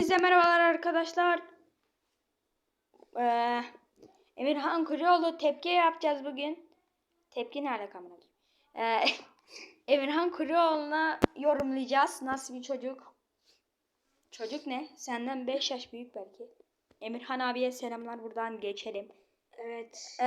Hepinize merhabalar arkadaşlar. Emirhan Kuruoğlu tepki yapacağız bugün. Tepki ne alaka amına koyayım? Emirhan Kuruoğlu'na yorumlayacağız. Nasıl bir çocuk? Çocuk ne? Senden 5 yaş büyük belki. Emirhan abiye selamlar, buradan geçelim. Evet.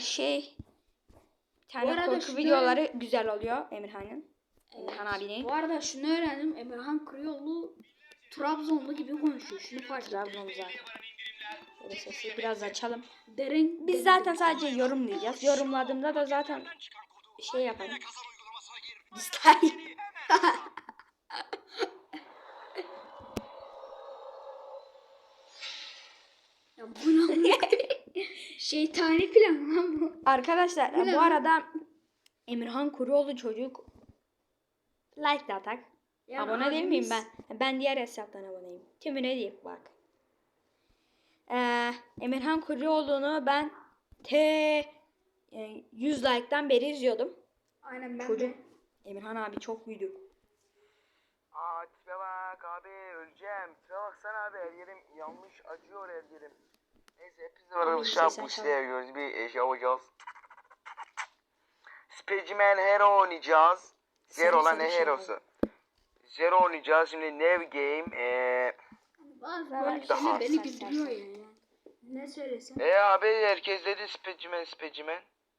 Bir tane korku videoları güzel oluyor Emirhan'ın. Evet. Emirhan abinin. Bu arada şunu öğrendim. Emirhan Kuruoğlu Trabzonlu gibi konuşuyor. Şunu fark ettim. Trabzon zaten. Şöyle sesi biraz açalım. Derin. Biz zaten sadece yorumlayacağız. Yorumladığımda da zaten şey yaparım. Dislike. Ya bu ne? Şeytani plan lan bu. Arkadaşlar Bu ne bu lan? arada Emirhan Kuruoğlu çocuk like de atak. Ya Abone değil miyim abimiz- ben? Ben diğer hesaptan aboneyim. Tümüne diyeyim bak. Emirhan Kuruoğlu'nu ben 100 like'tan beri izliyordum. Aynen ben Çocuk. de. Emirhan abi çok büyüdü. Aa tipe bak abi, öleceğim. Tipe baksana abi, her yerim yanmış, acıyor her yerim. Neyse hepimiz var arkadaşlar, sesen bu çal. siteye gördüğünüz bir şey yapacağız. Specimen Hero oynayacağız. Zero lan, ne şey Hero'su? Zero oynayacağız şimdi, New Game. Bazı Daha böyle daha- şeyler beni sen- güldürüyor ya. Ne söylesem. Abi herkes dedi Specimen.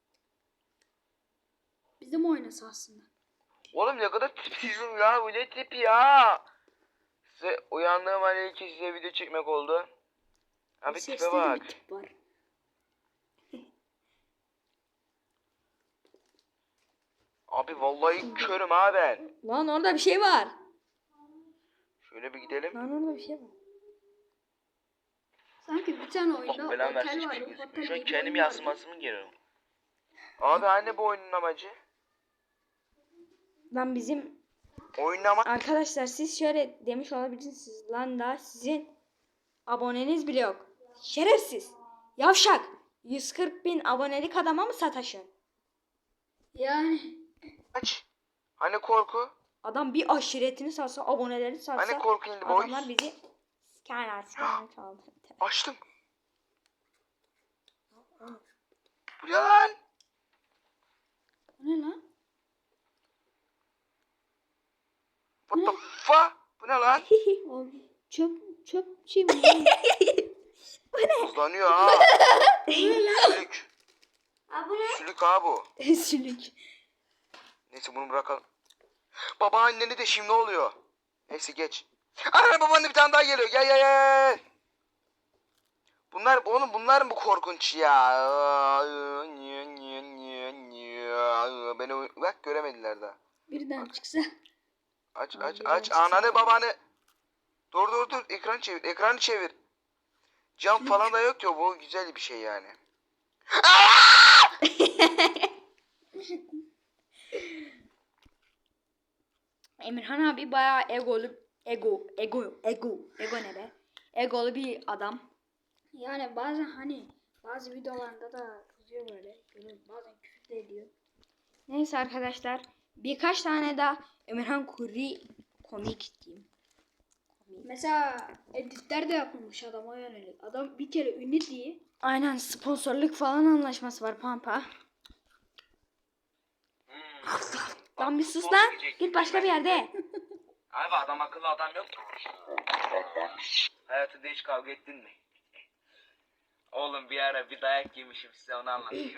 Bizim oynasa aslında. Oğlum ne kadar tipsizim ya, bu ne tipi ya. Size uyandığım an ilk size video çekmek oldu. Abi tipe Seste de bak. bir tip var. Abi vallahi körüm ha ben. Lan orada bir şey var. Şöyle bir gidelim. Lan orada bir şey var. Sanki bir tane oyunda Allah belanı versin, otel hiçbir var. şey Otel gözükmüyor. Şu an gibi kendim oyun var. yansımasını geliyorum. Abi anne, bu oyunun amacı. Lan bizim Oyunun amacı. arkadaşlar siz şöyle demiş olabilirsiniz. Lan da sizin aboneniz bile yok. Şerefsiz. Yavşak. 140.000 abonelik adama mı sataşın? Yani. Aç. Hani korku? Adam bir aşiretini satsa, abonelerini satsa, Hani korku in the boys? adamlar bizi sikerler çaldı. Açtım. Bu ne lan? Bu ne lan? What the fuck? Bu ne lan? Abi çöp şey mi? lan? Hızlanıyor ha. Sülük. Aa, bu ne? Sülük ha bu. Sülük. Neyse bunu bırakalım. Babaanneni de şimdi oluyor. Neyse geç. Ana, babaanne bir tane daha geliyor. Gel. Bunlar mı bu korkunç ya? Beni bak, göremediler daha. Birden çıksa. Aç ananı babanı. Dur, ekranı çevir. Cam falan da yok ki, bu güzel bir şey yani. Emirhan abi bayağı ego ne be? Egolu bir adam. Yani bazen hani bazı videolarında da kızıyor böyle. Bazen küfür de ediyor. Neyse arkadaşlar, birkaç tane daha Emirhan Kuri komik diyeyim. Mesela editler de yapılmış adama yönelik. Adam bir kere ünlü diye. Aynen, sponsorluk falan anlaşması var Pampa. Lan bir sus lan. Git başka bir yerde. Abi adam akıllı adam yok. Hayatında hiç kavga ettin mi? Oğlum bir ara bir dayak yemişim, size onu anlatayım.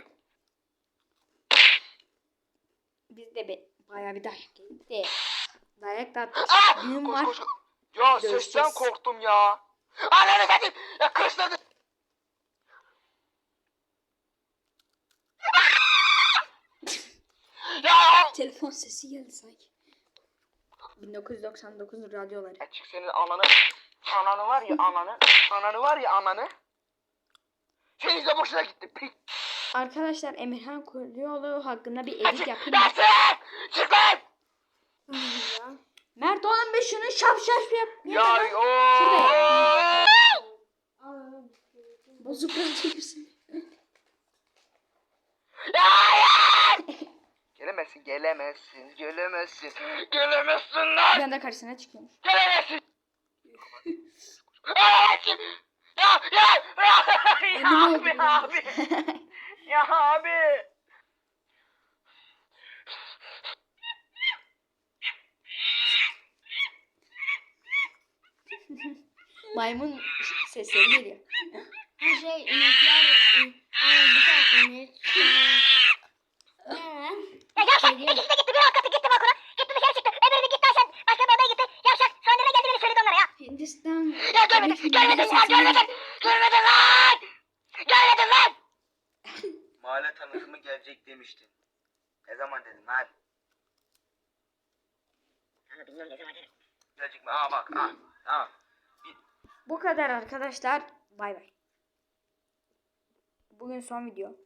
Biz de bayağı bir dayak yedik de. Dayak da attık. Düğün var. Koş. Ya Dövüşeceğiz. sesten korktum ya. Ananı satayım. Ya kışladı. Ya. Telefon sesi geldi sanki. 1999 radyoları. Açık senin ananı. Ananı var ya ananı. Ananı var ya ananı. Senin de boşuna gitti. Pik. Arkadaşlar Emirhan Kuruoğlu hakkında bir edit Açık. yapayım. Dersin. Çık lan. Mert oğlum bir şunu şap yap. Ya Şurada Bozuk çekirsin. Gelemezsin lan. Bir anda karşısına çıkıyormuş. Gelemezsin. Ya Önüm oldu abi. Ya abi. Maymun sesleri geliyor. Her şey inekler bir tane inek. Ne? Ya yavşak ikisi de gitti. Biri alt katı gitti balkona. Gitti dışarı çıktı. Öbürü gitti aşağı. Başka bir odaya gitti. Yavşak sonra geldi beni söyledi onlara ya. Hindistan. Ya görmedin lan. Görmedin lan. Mahalle tanıtımı gelecek demiştin. Ne zaman dedin lan? Ama bilmiyorum ne zaman dedim. Gelecek mi? Aa bak. Tamam. Bu kadar arkadaşlar. Bay bay. Bugün son video.